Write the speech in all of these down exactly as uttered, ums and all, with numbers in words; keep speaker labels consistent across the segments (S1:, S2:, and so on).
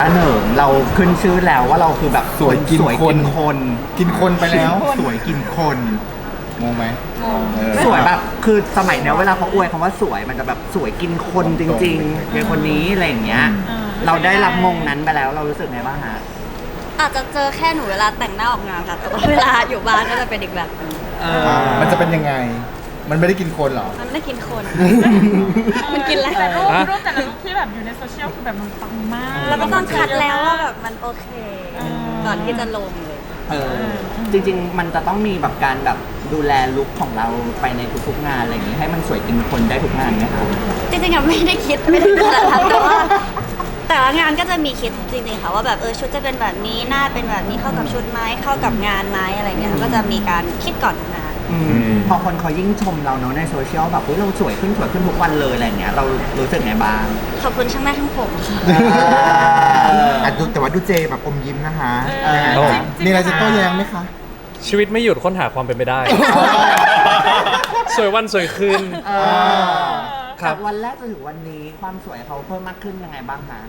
S1: อันหนึ่งเราขึ้นชื่อแล้วว่าเราคือแบบสวยกินสวยกินคน
S2: กินคนไปแล้ว
S1: สวยกินคน
S2: งงไหม
S1: สวยแบบคือสมัยเนี้ยเวลาเขาอวยคำว่าสวยมันจะแบบสวยกินคนจริงๆเป็นคนนี้อะไรอย่างเงี้ยเราได้รับมงนั้นไปแล้วเรารู้สึกไงบ้างฮะ
S3: อาจจะเจอแค่หนูเวลาแต่งหน้าออกงานค่ะแต่ว่าเวลาอยู่บ้านก็จะเป็นอีกแบบนึง
S2: มันจะเป็นยังไงมันไม่ได้กินคนหรอ
S3: มันไม่ได้กินคนมันกินอะไร
S4: แต่รูปรูปแต่ละรูปที่แบบอยู่ในโซเชียลคือแบบมันปังมาก
S3: แล้วก็ต้องคัดแล้วว่าแบบมันโอเคก่อนที่จะลงเลย
S1: เออจริงๆมันจะต้องมีแบบการแบบดูแลลุคของเราไปในทุกๆงานอะไรอย่างนี้ให้มันสวยกินคนได้ทุกงานไหมคะ
S3: จริงๆอะไม่ได้คิดไม่ได้ขนาดนั้นแต่ว่าแต่ละงานก็จะมีคิดจริงๆค่ะว่าแบบเออชุดจะเป็นแบบนี้หน้าเป็นแบบนี้เข้ากับชุดไหมเข้ากับงานไหมอะไรเงี้ยก็จะมีการคิดก่อนทำงาน
S1: พอคนเขายิ่งชมเราเนาะในโซเชียลแบบเราสวยขึ้นสวยขึ้นทุกวันเลยอะไรเงี้ยเรารู้สึกไงบ้าง
S3: ขอบคุณช่างหน้าช่างผมค่ะ
S2: แต่ว่าดูเจแบบอมยิ้มนะคะมีอะไรจะโต้แย้งไหมคะ
S5: ชีวิตไม่หยุดค้นหาความเป็นไปได้สวยวันสวยคืน
S1: จากวันแรกจนถึงวันนี้ความสวยเขาเพิ่มมากขึ้นยังไงบ้างคะ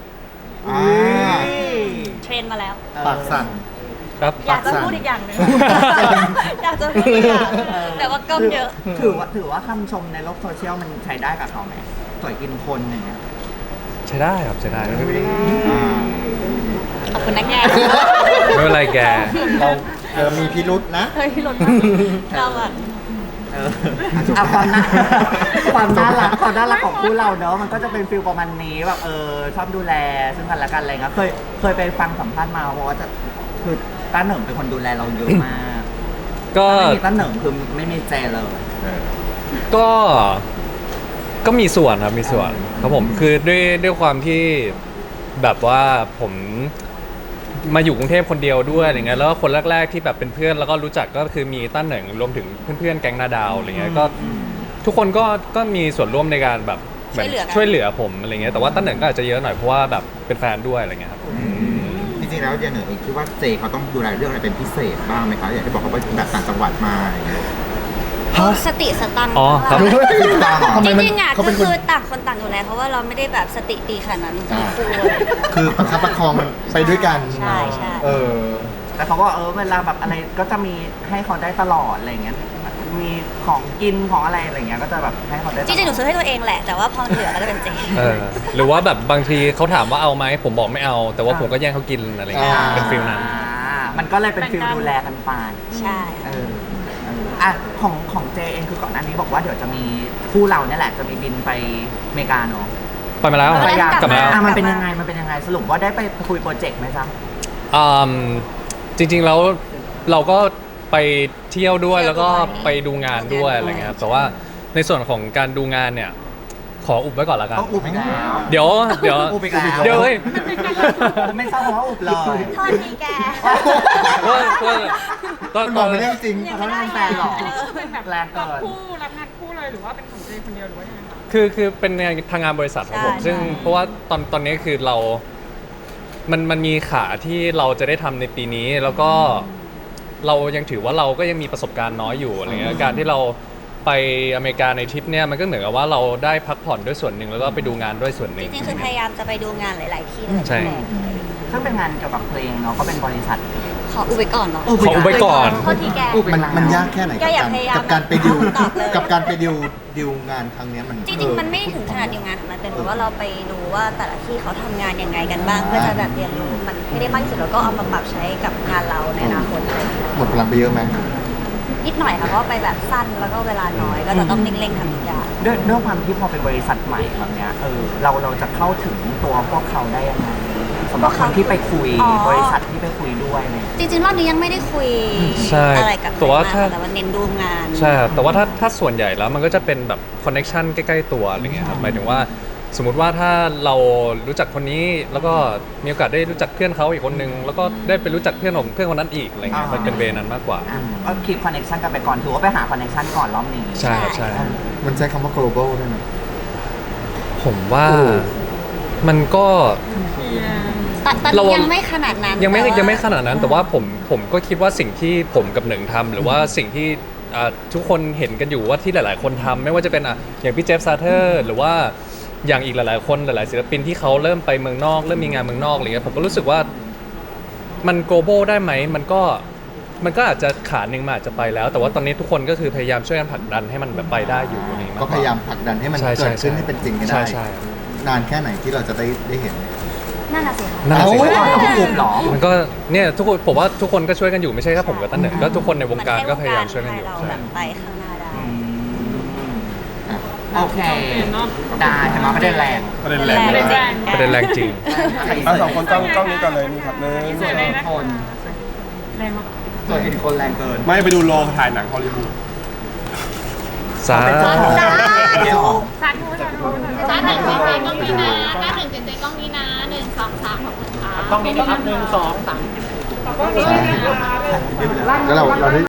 S3: เทรนมาแล้ว
S2: ปากสั่น
S5: ครับ
S3: อยากจะพูดอีกอย่างหนึ่งอยากจะพูดอีกอย่างแต่ว่าก็เยอะ
S1: ถือว่าถือว่าคำชมในโลกโซเชียลมันใช้ได้กับเขาไหมสวยกินคนอย่างเงี้ย
S5: ใช้ได้ครับใช้ได้
S3: ขอบคุณนะแก
S5: ไม่เป็นไรแก
S2: เราเออมีพิรุษนะ
S3: เฮ้ยพิรุษเราอะ
S1: เอาความน่าความน่ารักความน่ารักของคู่เราเนอะมันก็จะเป็นฟิลประมาณนี้แบบเออชอบดูแลซึ่งกันและกันอะไรเงี้ยเคยเคยไปฟังสัมภาษณ์มาเพราะว่าจะคือต้าเหนิงเป็นคนดูแลเราเยอะมากก็ไม่มีต้าเหนิงคือไม่มีเจเลย
S5: ก็ก็มีส่วนครับมีส่วนครับผมคือด้วยด้วยความที่แบบว่าผมมาอยู่กรุงเทพคนเดียวด้วยอะไรเงี้ยแล้วก็คนแรกๆที่แบบเป็นเพื่อนแล้วก็รู้จักก็คือมีต้าเหนิงรวมถึงเพื่อนๆแก๊งนาดาวอะไรเงี้ยก็ทุกคนก็ก็มีส่วนร่วมในการแบบช่วยเหลือผมอะไรเงี้ยแต่ว่าต้าเหนิงก็อาจจะเยอะหน่อยเพราะว่าแบบเป็นแฟนด้วยอะไรเงี้ยครับ
S2: จริงๆแล้วเจเหนิงเองคิดว่าเจเขาต้องดูแลเรื่องอะไรเป็นพิเศษบ้างไหมคะอยากให้บอกเขาว่าแบบต่างจังหวัดมา
S3: สติสตังค์จริงๆอ่ะก็คือต่างคนต่างอยู่แล้วเพราะว่าเราไม่ได้แบบสติดีขนาดนั้น
S2: คือประคับประคองมันไปด้วยกัน
S3: ใช่ใช่
S1: เออแต่เขาก็เออเวลาแบบอะไรก็จะมีให้เขาได้ตลอดอะไรเงี้ยมีของกินของอะไรอะไรเงี้ยก็จะแบบให้เขาได้
S3: จริงๆหนูซื้อให้ตัวเองแหละแต่ว่าพอเหลือก็จะเป็นเจ
S5: หรือว่าแบบบางทีเขาถามว่าเอาไหมผมบอกไม่เอาแต่ว่าผมก็แย่งเขากินอะไรเงี้ยเป็นฟิลนั้น
S1: มันก็เลยเป็นฟิลดูแลกันไป
S3: ใช่
S1: เอออ่ะของของเจเองคือก่อนหน้านี้บอกว่าเดี๋ยวจะมีคู่เราเนี่ยแหละจะมีบินไปอเมริกาเนาะ
S5: ไปมาแล้ว
S1: กลับมาแล้วมันเป็นยังไงมันเป็นยังไงสรุปว่าได้ไปคุยโปรเจกต์ไหมจ๊ะ
S5: อืมจริงๆแล้วเราก็ไปเที่ยวด้วยแล้วก็ไปดูงานด้วยอะไรเงี้ยครับแต่ว่าในส่วนของการดูงานเนี่ยขออุบไว้ก่อนละกัน
S1: อุบอีกแล้ว
S5: เดี๋ยวเดี๋ยว
S1: อุบอีกแล้ว
S5: เดี๋ยวเฮ้ย
S1: ไม่ทราบเพราะว่าอุบเลย
S3: โทษทีแก
S2: ตอนบอกไม่ได้จริง
S1: เขาไม่ได้แฟนหรอก
S4: เป็นแบบแรงเกินคู่รับงานคู่เลยหรือว่าเป็นของเจคนเดียวหรือว่ายังไงคะ
S5: คือคือเป็นทางงานบริษัทครับผมซึ่งเพราะว่าตอนตอนนี้คือเรา มันมันมีขาที่เราจะได้ทำในปีนี้แล้วก็เรายังถือว่าเราก็ยังมีประสบการณ์น้อยอยู่อะไรเงี้ยการที่เราไปอเมริกาในทริปเนี่ยมันก็เหมือนกับว่าเราได้พักผ่อนด้วยส่วนหนึ่งแล้วก็ไปดูงานด้วยส่วนหนึ่ง
S3: จริงๆคือพยายามจะไปดูงานหลายๆที่
S5: ใช่
S1: ซึ่งเป็นงานเกี่ยวกับเพลงเนาะก็เป็นบริษัท
S3: ขออุบไว้ก่อนเนาะ
S5: ขออุบไว้ก่อน
S3: โทษทีแก
S2: มันมันยากแค่ไหนกับการไปดิวกับการไปดิวดิวงานครั้งนี้มัน
S3: จริงๆมันไม่ถึงขนาดดิวงานมันเป็นแบบว่าเราไปดูว่าแต่ละที่เขาทำงานยังไงกันบ้างเพื่อจะแบบเรียนรู้มันให้ได้มากที่สุดแล้วก็เอามาปรับใช้กับงานเราในอนาคต
S2: หมดพลังไปเยอะไหม
S3: นิดหน่อยค่ะเพราะไปแบบสั้นแล้วก็เวลาน้อยก็จะต้องเร่งๆทำทุกอย่าง
S1: ด้วยด้วยความที่พอเป็นบริษัทใหม่แบบเนี้ยเออเราเราจะเข้าถึงตัวพวกเขาได้ยังไงสำหรับคนที่ไปคุยบริษัทที่ไปคุยด้วยเนี่ย
S3: จริงๆรอบนี้ยังไม่ได้คุยอะไรกับใครมากแต่ว่าเน้นดูงาน
S5: ใช่แต่ว่าถ้าถ้าส่วนใหญ่แล้วมันก็จะเป็นแบบคอนเนคชั่นใกล้ๆตัวอะไรเงี้ยครับหมายถึงว่าสมมติว่าถ้าเรารู้จักคนนี้แล้วก็มีโอกาสได้รู้จักเพื่อนเขาอีกคนนึงแล้วก็ได้ไปรู้จักเพื่อนของเพื่อนคนนั้นอีกอะไรเงี้ยมันเป็นเวนั้นมากกว่า
S1: ก็คีปคอนเนคชั่นกันไปก่อนถือว่าไปหาคอนเนคชั่นก่อนรอบนี้
S5: ใช่ครับใช่
S2: มันใช้คำว่า global ได้ไหม
S5: ผมว่ามันก็
S3: เรายังไม่ขนาดนั้น
S5: ยังไม่ยังไม่ขนาดนั้นแต่ว่าผมผมก็คิดว่าสิ่งที่ผมกับหนึ่งทำหรือว่าสิ่งที่ทุกคนเห็นกันอยู่ว่าที่หลายๆคนทำไม่ว่าจะเป็นอ่ะอย่างพี่เจฟซาเทอร์หรือว่าอย่างอีกหลายๆคนหลายๆศิลปินที่เขาเริ่มไปเมืองนอกเริ่มมีงานเมืองนอกอะไรเงี้ยผมก็รู้สึกว่ามัน global ได้ไหมมันก็มันก็อาจจะขาหนึ่งมันอาจจะไปแล้ว แต่ว่าตอนนี้ทุกคนก็คือพยายามช่วยกันผลักดันให้มันแบบไปได้อยู่อะไรเงี้
S2: ก็พยายามผลักดันให้มัน
S5: ใช่
S2: เกิดขึ้น
S5: ใช่
S2: ให้เป็นจริงให้
S5: ใช่
S2: ได้
S5: ใช่
S2: นานแค่ไหนที่เราจะได้ได้เห็น
S3: นั่นน่ะสิค่ะ
S5: นั่นสิ
S1: เอ้าเราก็กลุ่มเหรอ
S5: มันก็เนี่ยทุกคนผมว่าทุกคนก็ช่วยกันอยู่ไม่ใช่แค่ผมกับตั้นเหนิงก็ทุกคนในวงการก็พยายามช่วยกันอยู่
S3: เรา
S5: ใช่
S3: แบบไปข้างหน้าได้
S1: โอเค ได้เห็นไหมประเด็นแรง
S6: ประเด็นแรง
S3: ประเด็นแรง
S5: ประเด็นแรงจริง
S6: เอาสองคนกล้องกล้องนี้ก่อนเลยนี่ครับหนึ่ง
S1: ส่วนอีกคน
S4: แรงมาก
S1: ส่วนอีกคนแรงเกิน
S6: ไม่ไปดูโรงถ่ายหนังฮอลลีวูด
S5: สา
S1: เป็นเจ้าของ
S2: เจ้าของ
S4: สาธุสาธุ
S7: ต้าหนึ่งเจเจกล้องนี้นะต้าหนึ่งเจเจกล้องนี้นะหนึ่งสองสามขอบคุณค่ะ
S1: ต้องมีครับหนึ่งสองสาม
S4: ขอบคุณค่ะ
S2: แล้วเราเราได้